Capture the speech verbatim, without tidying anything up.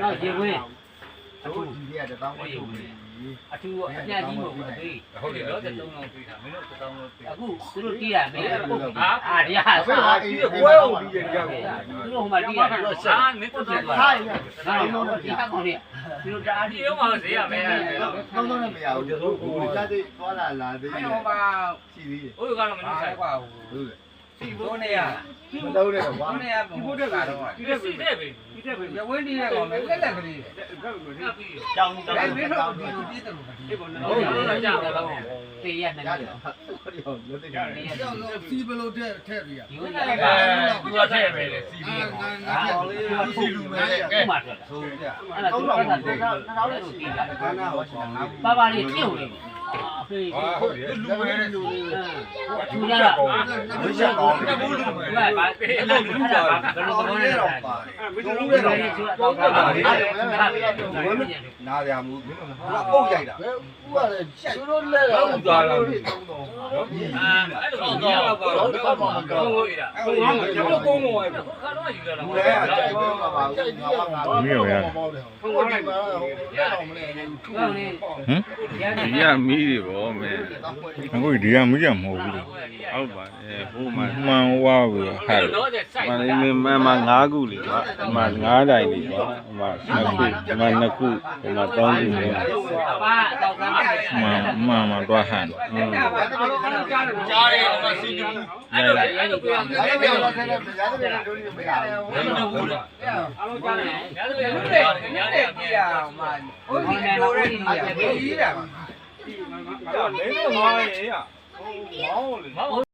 နောက်ရေခွေးတို့ဒီတွေကတပေါင်းဝတ်ထုတ်ပြီအထူးအပြကြီးမဟုတ်ဘူးအသေးဟုတ်တယ်တော့တစ်လုံးလုံးပေးတာမင်းတို့တစ်လုံးလုံးပေးအခုသူတို့တီးရမယ်ဟာအာတရားအဲ့ဒါစားအေးဝဲအောင်ပြီးကြတယ်သူတို့ဟိုမှာတီးရတယ်တော့စားမင်းတို့တီးသွားဟာရဟာတော့ဒီဟာကောင်လေးသူတို့တအားတီးရောမှဈေးရမယ်ကောင်းတော့လည်းမရဘူးတို့ကိုလက်တွေသွားလာလာသေးတယ်ဟိုမှာရှိသေးတယ်ဟိုကတော့မနှုတ်ဆိုင်ကွာဟုတ်တယ်စီဘိုးနေရမတော့တယ်ကွာဘိုးနေရဘိုးတက်ကတော့ဒီစီတဲ့ပဲဒီတဲ့ပဲရဝင်းဒီရဲ့ကောင်လည်းလက်ကလေးကြောင်ကြောင်မင်းတို့ဒီလိုပြည့်တယ်လို့ဒီပေါ်နေဟုတ်တယ်ကြောင်တော့တေးရနေတယ်ဟုတ်တယ်လက်တွေကြောက်လို့စီဘလို့တဲ့ထည့်ပြရဒီလိုလည်းကသူကထည့်ပဲလေစီပြီးငါငါကြောက်လေးစီလူမဲကဲမှထွက်ဆိုအဲ့ဒါသူကတော့တော့တော့လို့တီးတာပါပါလေးကျုပ်လေးအဖေကဟုတ်တယ်လူမဲတဲ့လူလေးသူရတာဝိရှာကောင်းတယ်ဘူးလူမဲဘာဘာအဲ့လိုလူတာဘာဘယ်လိုသဘောလဲတော့ပါမင်းတို့လည်းတော့တော့တော့တာလေးနားရမှုငါပုတ်ရိုက်တာဥကလည်းသူတို့လဲတော့သွားလာတယ်သုံးတော့အာအဲ့လိုကြီးတော့ကတော့တော့မှမကောင်းဘူးအဲ့ဟိုငါကတော့ကုန်းမော်ရဲ့ခါတော့ယူလာတာဘူးလေအကြိုက်ပဲမှာပါဘူးငါကငါတော့မောက်တယ်ဟုတ်ကဲ့ပါဟုတ်ကဲ့တော့မလဲဟမ်ဒီကမီးတွေဗောမဲအခုဒီကမီးကမဟုတ်ဘူးလေဟုတ်ပါအဲဟိုမှာမှန်ဝါဘူးဟာမလေးမမငါးခုလေကွာဒီမှာငါးတိုင်လေကွာဒီမှာနှစ်ခုဒီမှာနှစ်ခုဒီမှာသုံးခုလေအပါတော့ကမ်းတယ်မှန်မှန်မှန်တော့ဟန်อืมကြားတယ်ဟိုစီတူအဲ့လိုအဲ့လိုပြောအဲ့ဒါလည်းလည်းလည်းရတယ်လည်းတို့နေမရဘူးဘယ်လိုဘူးလဲအားလုံးကြားတယ်ညာတယ်ညာတယ်ညာတယ်ပြရအောင်မှာဟိုဒီလိုတဲ့ဒီကြီးတာငါငါငါလည်းငါရေရဟိုမောင်းလေ